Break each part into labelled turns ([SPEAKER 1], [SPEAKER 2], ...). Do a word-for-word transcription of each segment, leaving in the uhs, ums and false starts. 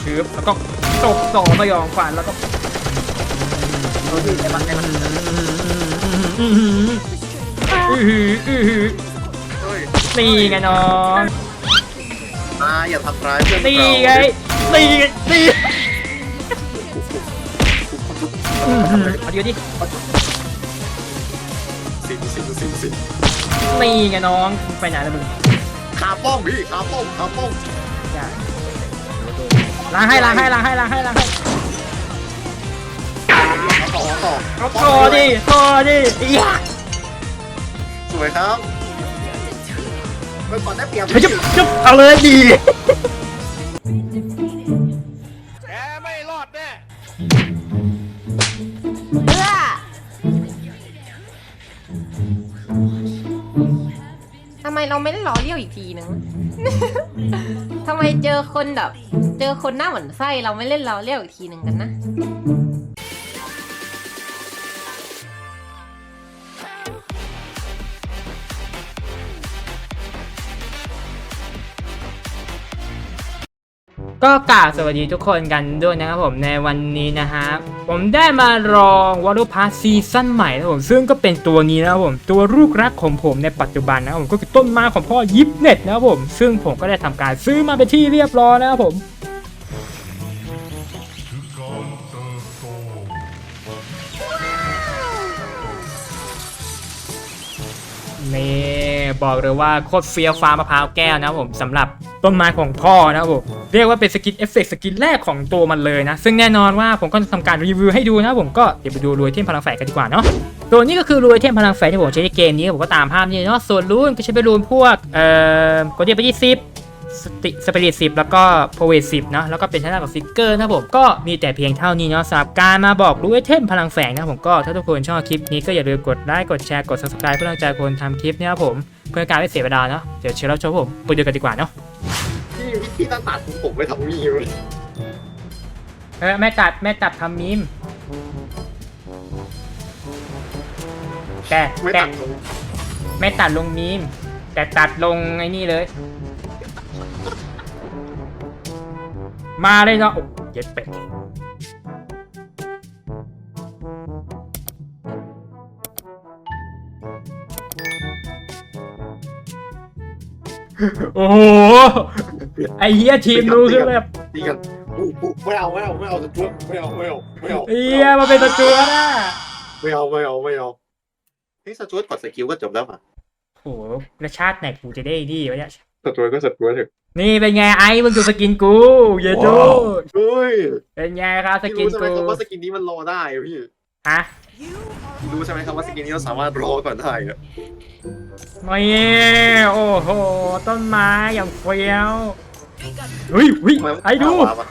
[SPEAKER 1] ชืบแล้วก็ตบสองสยองขวัญแล้วก็โอ้ยไอ้มันไอ้มันอือหืออือหืออือหือนี่ไงน้อง
[SPEAKER 2] อ่าอย่าทำร้ายเพื่อนเรา
[SPEAKER 1] นี่ไงนี่ไงนี่เอาดีดิ
[SPEAKER 2] สิบสิบสิบสิบ
[SPEAKER 1] นี่ไงน้องไปไหนแล้วมึง
[SPEAKER 2] ขาป้องพี่ขาป้องขาป้อง
[SPEAKER 1] ล้างให้ล้างให้ล้างให้ล้างให้ล้างให้
[SPEAKER 2] ต่อต่อ
[SPEAKER 1] เอาต่อดิต่อดิอีก
[SPEAKER 2] สวยครับไปก่อนได้เปรียบ
[SPEAKER 1] จุ๊บจุ๊บเอาเลยดี
[SPEAKER 3] แกไม่รอดแน่
[SPEAKER 4] เพื่อทำไมเราไม่ได้ล้อเลี้ยวอีกทีนึง ทำไมเจอคนแบบ เจอคนหน้าเหมือนไส้เราไม่เล่นล้อเลี้ยวอีกทีหนึ่งกันนะ
[SPEAKER 1] ก็กล่าวสวัสดีทุกคนกันด้วยนะครับผมในวันนี้นะฮะผมได้มาลองวอลลุ่มพาซีซั่นใหม่นะครับผมซึ่งก็เป็นตัวนี้นะครับผมตัวลูกรักของผมในปัจจุบันนะครับผมก็คือต้นไม้ของพ่อยิปเน็ตนะครับผมซึ่งผมก็ได้ทำการซื้อมาเป็นที่เรียบร้อยนะครับผมนี่บอกเลยว่าโคตรเฟี้ยวฟ้ามะพร้าวแก้วนะครับผมสำหรับต้นไม้ของพ่อนะครับผมเรียกว่าเป็นสกินเอฟเฟกต์สกินแรกของตัวมันเลยนะซึ่งแน่นอนว่าผมก็จะทำการรีวิวให้ดูนะครับผมก็เดี๋ยวไปดูรวยเทมพลังแฝงกันดีกว่าเนาะตัวนี้ก็คือรวยเทมพลังแฝงที่ผมใช้ในเกมนี้ผมก็ตามภาพนี้เนาะส่วนรูนก็ใช้ไปรูนพวกเอ่อกดเดียไปที่สิบสติสเปริตสิบแล้วก็โพเวสิบเนาะแล้วก็เป็นชนะกับฟิกเกอร์นะครับผมก็มีแต่เพียงเท่านี้เนาะสำหรับการมาบอกรู้ไอเทมพลังแฝงนะผมก็ถ้าทุกคนชอบคลิปนี้ก็อย่าลืมกดไลค์กดแชร์กด ซับสไครบ์ เพื่อเป็นกำลังใจคนทำคลิปเนี่ยครับผมเพื่อการไม่เสียเวลาเนาะเดี๋ยวเชิญรับชมผมไปดูกันดีกว่าเนาะ
[SPEAKER 2] พี่พี่ต้องตัดผมไปทำมีเลย
[SPEAKER 1] เออแม่ตัดแม่ตัดทำมีมแต่
[SPEAKER 2] ไม่
[SPEAKER 1] แต่
[SPEAKER 2] ตัดผม
[SPEAKER 1] แม่ตัดลงมีมแต่ตัดลงไอ้นี่เลยมาเลยเนาะโอ้เย็ดเป็ดโอ้โหไอ้เหี้ยทีมรู้คือแบบ
[SPEAKER 2] ดีกันอู้อู้ไม่เอาไม่เอาไม่เอาจะจุ๊บไม่เอาไม่เอาไม่เอา
[SPEAKER 1] ไอ้เหี้ยมาเป็นตัวจัวนะ
[SPEAKER 2] ไม่เอาไม่เอาไม่เอานี่สจวตกดสกิลก็จบแล้วอ่ะ
[SPEAKER 1] โอ้โหแล้วชาติไหนกูจะได้ดีวะเนี่ย
[SPEAKER 2] สจวตก็สจวตเถอะ
[SPEAKER 1] นี่เป็นไงไอ้มึงดูสกินกูเยอะจู
[SPEAKER 2] เฮ้ย
[SPEAKER 1] เป็นไงครับส
[SPEAKER 2] พี่
[SPEAKER 1] กิน
[SPEAKER 2] รู้ใช่ไหม
[SPEAKER 1] กู
[SPEAKER 2] ครับว่าสกินนี้มันรอได้อะพี่
[SPEAKER 1] ฮะ
[SPEAKER 2] รู้ใช่ไหมครับว่าสกินนี้เราสามารถรอก่อนได้อะ
[SPEAKER 1] ไม่โอ้โหต้นไม้อย่างเฟี้ยวเฮ้ยเฮ้ยไอ้ดู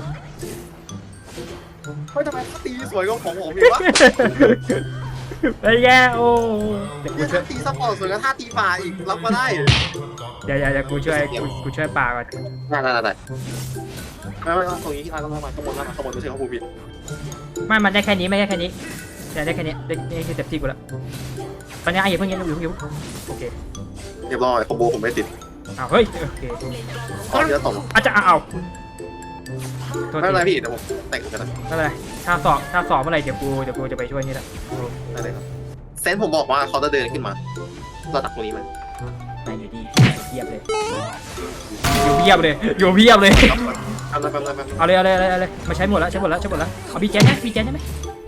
[SPEAKER 2] เฮ้ยทำไมตีสวยกว่าของผมอีกวะ
[SPEAKER 1] เป็นไงโอ้เดี๋ยวกู
[SPEAKER 2] เนี่ย
[SPEAKER 1] ช่วย
[SPEAKER 2] ถ้าตีซัพพอร์ตสวยกับท่าตีฝ่าอีกรับมาได้
[SPEAKER 1] เดี๋ยวเดี๋ยวเดี๋ยวกูช่วยกูกูช่วยปลาก่อน
[SPEAKER 2] ได้ได้ได้ไม่ไม่ตรงนี้ที่ร้านก็มาข้างบนมาข้างบนไม่ใช่ข้างบนผิด
[SPEAKER 1] ไม่มันได้แค่นี้ไม่ได้แค่นี้แต่ได้แค่นี้ได้นี่คือเต็มที่กูแล้วตอนนี้ไอ้อย่าเพิ่งเย็นอยู่อยู่โอเค
[SPEAKER 2] เรียบร้อยคอมโบผมไม่ติด
[SPEAKER 1] อ้าวเฮ้ยโอเค
[SPEAKER 2] ตอนนี้จะตก
[SPEAKER 1] อาจจะเอาเอาโทษ
[SPEAKER 2] ไม่
[SPEAKER 1] ที
[SPEAKER 2] เป็นไรพี่เดี๋ยวผมแต่งกันนะ
[SPEAKER 1] ไม่เป็นไรถ้าสอบถ้าสอบเมื่อไหร่เดี๋ยวกูเดี๋ยวกูจะไปช่วยนี่แหละ
[SPEAKER 2] ได้เลยครับเซนผมบอกว่าเขาจะเดินขึ้นมาเราตักตรงนี้มัน
[SPEAKER 1] ไม่อยู่ดีเยียบเลยอยู่เยียบเลยอยู่เยียบเลย
[SPEAKER 2] ทำอะไรแป๊บนึงแป๊บนึง
[SPEAKER 1] เอาเลยเอาเลยเอาเลยเอาเลยมาใช้หมดแล้วใช้หมดแล้วใช้หมดแล้วเอาบีเจนไหมบีเจนได้ไหม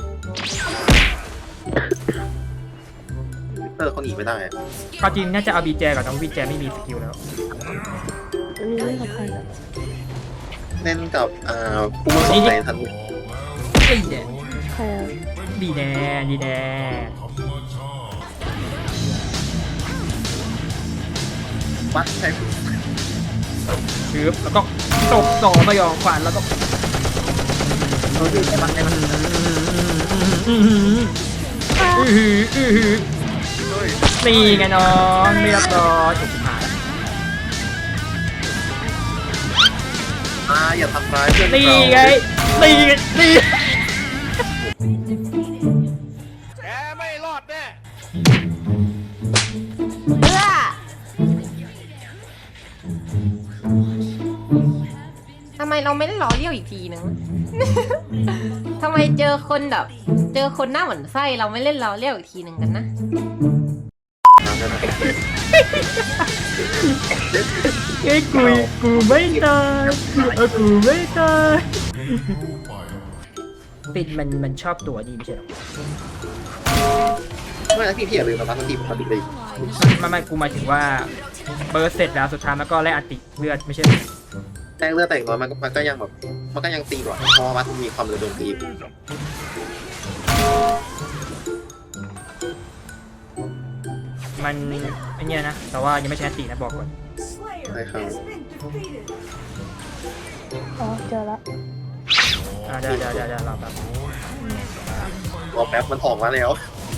[SPEAKER 2] เตอร์เขาหนีไม่ได้
[SPEAKER 1] ก็จริงน่าจะเอาบีเจก่อนน้องบีเจไม่มีสกิลแล้ว
[SPEAKER 2] เล่นกับอ่าผู้มาสนใจทัน
[SPEAKER 1] ดีแน่ดีแน่ดีแน่
[SPEAKER 2] วัดใช้
[SPEAKER 1] ชืบแล้วก็ตบสองสยองขวัญแล้วก็โอ้ยไอ้มันไอ้มันอือหืออือหืออือหือ
[SPEAKER 2] เฮ้ย
[SPEAKER 1] นี่ไงน้องเรียบร้อยถูกหาย
[SPEAKER 2] อ่าอย่าทำร้ายเพื่อน
[SPEAKER 1] นี่
[SPEAKER 2] เรา
[SPEAKER 1] ไงนี่ไงนี่
[SPEAKER 3] แกไม่รอดแน่
[SPEAKER 4] เพื่อทำไมเราไม่หล่อเลี้ยวอีกทีนึง ทำไมเจอคนแบบ เจอคนหน้าเหมือนไส้เราไม่เล่นล้อเลี้ยวอีกทีหนึ่งกันนะ
[SPEAKER 1] เอ้ยกูกูไม่ตายเออกูไม่ตายปิดมันมันชอบตัวดีไม่ใช่หรอ
[SPEAKER 2] ไม่นะพี่พี่อย่าลืมนะบางทีผมทำผิดเลย
[SPEAKER 1] ไม่ไม่กูหมายถึงว่าเบิร์สเสร็จแล้วสุดท้ายมันก็แลกอันติเลือดไม่ใช่
[SPEAKER 2] แต่เลือดแต่งน้อยมันมันก็ยังแบบมันก็ยังตีก่อนเพราะว่ามันมีความเร็วโจมตี
[SPEAKER 1] มันไอเนี้ยนะแต่ว่ายังไม่ใช่อันตินะบอกก่อน
[SPEAKER 2] ใช่ครับ
[SPEAKER 5] อ๋อเจอละ
[SPEAKER 1] อ่าเดี๋ยวเดี๋ยวเดี๋ยวเดี๋ยวรอแป๊บ
[SPEAKER 2] รอแป๊บมันออกมาแล้ว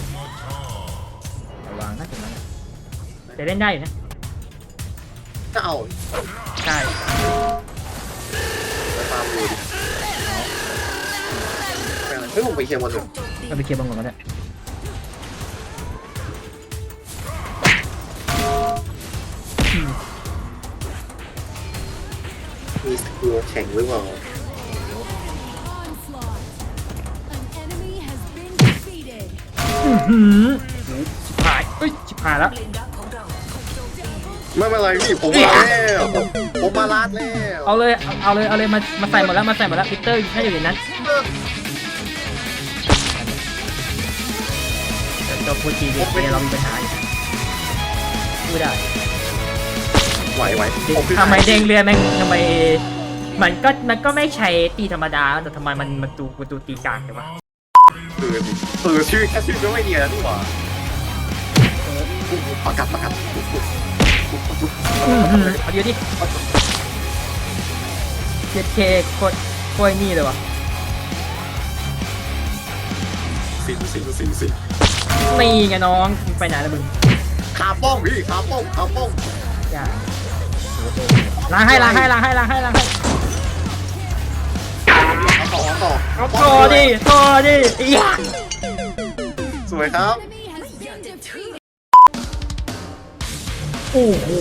[SPEAKER 1] ระวังนะตรงนั้นแต่เล่นได้อยู่นะ
[SPEAKER 2] ก็เอา
[SPEAKER 1] ใช่
[SPEAKER 2] ไปตามดูดิเฮ้ยผมไปเคลียร์มันเลย
[SPEAKER 1] ก็ไปเคลียร์บางก่อนก็ได้
[SPEAKER 2] มีสกิลแข็งหรือเปล่า
[SPEAKER 1] อื้อหือชิบหายเอ้ยชิบหายแล้ว
[SPEAKER 2] ไม่เป็นไรพี่ผมมาแล้วผมมาลาดแล้ว
[SPEAKER 1] เอาเลยเอาเอาเลยเอาเลยมามาใส่หมดแล้วมาใส่หมดแล้วปีเตอร์ให้อยู่ในนั้นเจ้าพูดจีเดียเรามีปัญหาอยู่พูดได้
[SPEAKER 2] ไหวไหวผมขึ้น
[SPEAKER 1] ทำไมเด้งเรือแม่งทำไมมันก็มันก็ไม่ใช่ตีธรรมดาแต่ทำไมมันมันตูมันตูตีกลางเลยวะ
[SPEAKER 2] คือเออชื่อแค่ชื่อก็ไม่เนียนแล้วนี่หว่าประกาศประกาศ
[SPEAKER 1] เอาเดี๋ยวดิเจ็ดเคโคตรโคตรนี่เลยวะ
[SPEAKER 2] สิสิสิสิ
[SPEAKER 1] นี่ไงน้องมึงไปไหนแล้วมึง
[SPEAKER 2] ขาป้องพี่ขาป้องขาป้อง
[SPEAKER 1] อย่าล้างให้ล้างให้ล้างให้ล้างให้ล้างให้
[SPEAKER 2] เอาต่อเอาต่อ
[SPEAKER 1] เอาต่อดิต่อดิอีหยา
[SPEAKER 2] สวยครับ
[SPEAKER 1] โอ้โห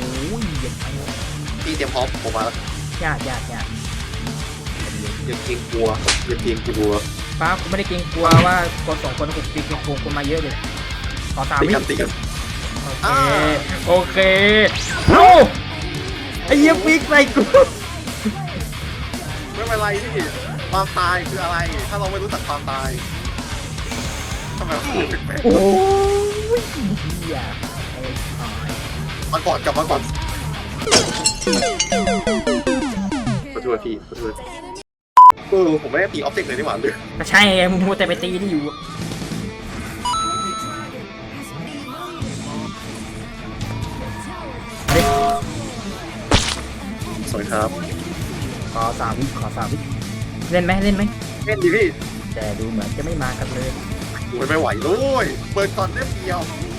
[SPEAKER 2] พี่เตรียมพร้อมผมมาแล้ว
[SPEAKER 1] ยากยากยาก
[SPEAKER 2] อย่าเกรงกลัวอย่าเกรงกลัว
[SPEAKER 1] ป้าผมไม่ได้เกรงกลัวว่าคนสองคนผมตีเกรงกลัวคนมาเยอะเลยขอสาม
[SPEAKER 2] ตี
[SPEAKER 1] วิ
[SPEAKER 2] กันตีกัน
[SPEAKER 1] โอเคโอเคเอ้าไอ้เหี้ยฟิกใส่กู
[SPEAKER 2] ไม่เป็นไรพี่ความตายคืออะไร ถ้าเราไม่รู้จักความตายทำไมพูดแปลก
[SPEAKER 1] โอ้ยเหี้ยไอ้หาย
[SPEAKER 2] ๆมาก่อนกลับมาก่อนขอโทษพี่ขอโทษเออผมไม่ได้ตีออบเจกต์เลยนี่หว่าเลย
[SPEAKER 1] ก็ใช่ไงมึงมัวแต่ไปตีนี่อยู่
[SPEAKER 2] สวยครับ
[SPEAKER 1] ขอสามวิขอสามวิเล่นไหมเล่นไหม
[SPEAKER 2] เล่นดีพี่
[SPEAKER 1] แต่ดูเหมือนจะไม่มากันเลย
[SPEAKER 2] มันไม่ไหวเลยเปิดก่อนได้เดียว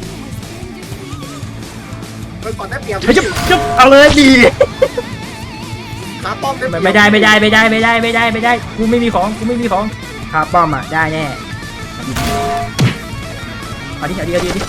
[SPEAKER 2] เปิดก่อนได้เดียว
[SPEAKER 1] จุ๊บจุ๊บเอาเลยดี
[SPEAKER 2] ขาป้อมได้เดียว
[SPEAKER 1] ไม่ได้ไม่ได้ไม่ได้ไม่ได้ไม่ได้ไม่ได้กูไม่มีของกูไม่มีของคาป้อมอ่ะได้แน่เอาดิเอาดิเอาดิเอาดิ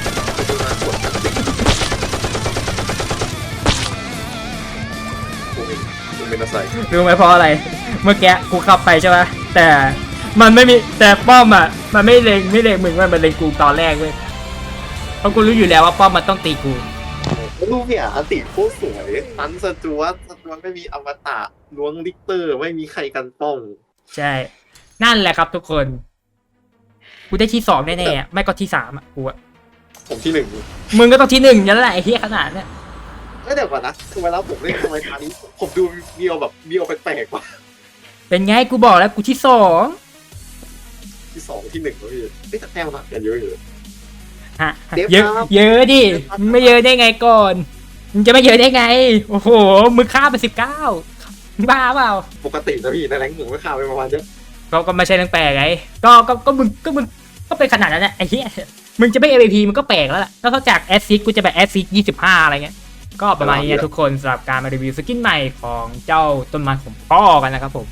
[SPEAKER 2] ผมเป็นอะไร
[SPEAKER 1] รู้ไหมเพราะอะไร เมื่อกี้กูเข้าไปใช่ไหมแต่มันไม่มีแต่ป้อมอ่ะมันไม่เล็งไม่เล็งมึงมันมันเล็งกูตอนแรกเว้ยเพราะกูรู้อยู่แล้วว่าป้อมมันต้องตีกู
[SPEAKER 2] ลูกเนี่ยอันติโคตรสวยตันสจวตสจวตไม่มีอมตะล้วงลิกเตอร์ไม่มีใครกันป้อง
[SPEAKER 1] ใช่นั่นแหละครับทุกคนกูได้ที่สองแน่ๆไม่ก็ที่สามอ่ะกูอ่ะ
[SPEAKER 2] ผมที่หนึ่ง
[SPEAKER 1] มึงก็ต้องที่หนึ่งนั่นแหละไอ้เหี้ยขนาดเนี้ย
[SPEAKER 2] ไม่เดี๋ยวก่อนนะคือเวลาผมเล่นทำไมทางนี้ผมดูเบียวแบบเบียวแปลกๆว่ะ
[SPEAKER 1] เป็นไงกูบอกแล้วกูที่สอง
[SPEAKER 2] ที่สองที่หนึ่งแล้วพี่ไม่แต่แต้มห่างกันเยอะอยู่
[SPEAKER 1] ฮะ
[SPEAKER 2] เดี๋ยว
[SPEAKER 1] เยอะ
[SPEAKER 2] ครับ
[SPEAKER 1] เยอะดิมึงไม่เยอะได้ไงก่อนมึงจะไม่เยอะได้ไงโอ้โหมึงฆ่าไปสิบเก้าบ้าเปล่า
[SPEAKER 2] ปกตินะพี่ในแรงหนึ่งก็ข่าวไปประมาณเนี้ย
[SPEAKER 1] ก็ก็ไม่ใช่เรื่องแปลกไงก็ก็ก็มึงก็มึงก็เป็นขนาดนั้นแหละไอ้เหี้ยมึงจะไม่ เอ วี พี มึงก็แปลกแล้วล่ะนอกจากแอสซิสกูจะแบบแอสซิสยี่สิบห้าอะไรเงี้ยก็ประมาณนี้นะทุกคนสำหรับการมารีวิวสกินใหม่ของเจ้าต้นไม้ของพ่อกันนะครับผม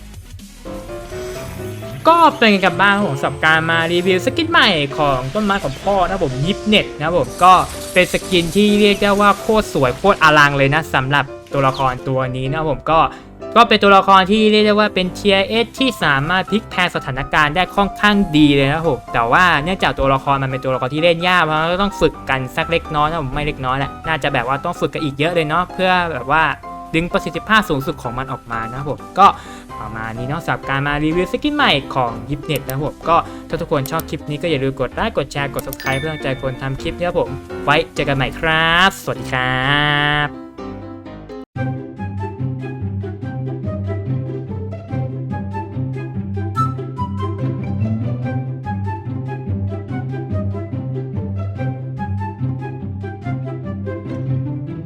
[SPEAKER 1] ก็เป็นไงกันบ้างของสำหรับการมารีวิวสกินใหม่ของต้นไม้ของพ่อนะผมยิปเน็ตนะผมก็เป็นสกินที่เรียกได้ว่าโคตรสวยโคตรอลังเลยนะสำหรับตัวละครตัวนี้นะผมก็ก็เป็นตัวละครที่เรียกได้ว่าเป็นเทียร์เอสที่สามารถพลิกแพลงสถานการณ์ได้ค่อนข้างดีเลยนะครับผมแต่ว่าเนื่องจากตัวละครมันเป็นตัวละครที่เล่นยากเพราะเราต้องฝึกกันสักเล็กน้อยนะผมไม่เล็กน้อยแหละน่าจะแบบว่าต้องฝึกกันอีกเยอะเลยเนาะเพื่อแบบว่าดึงประสิทธิภาพสูงสุดของมันออกมานะครับผมก็ประมาณนี้เนาะสำหรับการมารีวิวสกินใหม่ของยิปเน็ตนะครับผมก็ถ้าทุกคนชอบคลิปนี้ก็อย่าลืมกดไลค์กดแชร์กด ซับสไครบ์ เพื่อเป็นกำลังใจคนทำคลิปนะครับผมไว้เจอกันใหม่ครับสวัสดีครับ